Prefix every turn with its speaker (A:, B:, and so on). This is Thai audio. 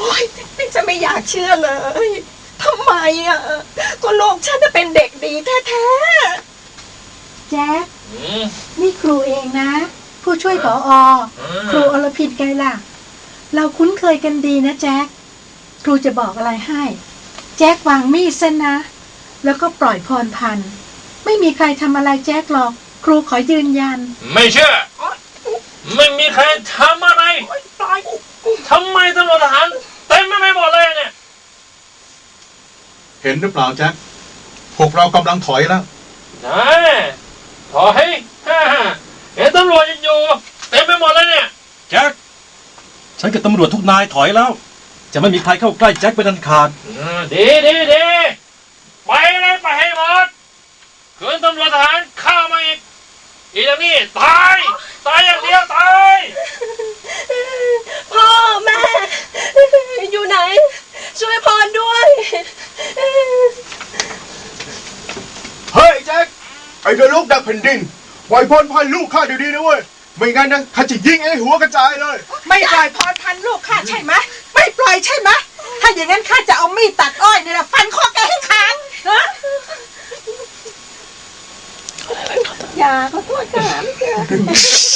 A: ยฉันไม่อยากเชื่อเลยทำไมอ่ะก็ลูกฉันจะเป็นเด็กดีแท้ๆ
B: แจ๊คนี่ครูเองนะผู้ช่วยผอ.ครูอรพินไงล่ะเราคุ้นเคยกันดีนะแจ๊คครูจะบอกอะไรให้แจ๊ควางมีดซะนะแล้วก็ปล่อยพรพันธุ์ไม่มีใครทำอะไรแจ๊คหรอกครูขอยืนยัน
C: ไม่เชื่อไม่มีใครทำอะไรทำไมตำรวจทหารเต็มไม่หมดเลยเนี่ย
D: เห็นหรือเปล่าแจ็คพวกเรากำลังถอยแล้ว
C: ถอยเห็นตำรวจยังอยู่เต็มไปหมดเลยเนี่ย
E: แจ็คฉันกับตำรวจทุกนายถอยแล้วจะไม่มีใครเข้าใกล้แจ็คเป็นอันขาด
C: ดีไปเลยไปให้หมดคืนตำรวจทหารเข้ามาอีกอย่างนี้ตายอย่างเดียวตาย
A: พ่อแม่อยู่ไหนช่วยพรด้วย
D: เฮ้ยแจ็คไอ้เดลูกดักแผ่นดินปล่อยพรพันลูกข้าเดี๋ยวนี้นะเว้ยไม่งั้นนะข้าจะยิงไอ้หัวกระจายเลย
B: ไม่ปล่อยพรพันลูกข้าใช่ไหมไม่ปล่อยใช่ไหมถ้าอย่างนั้นข้าจะเอามีดตัดอ้อยนี่แหละฟันคอแกให้ขาด
A: อย่าขอโทษค่ะ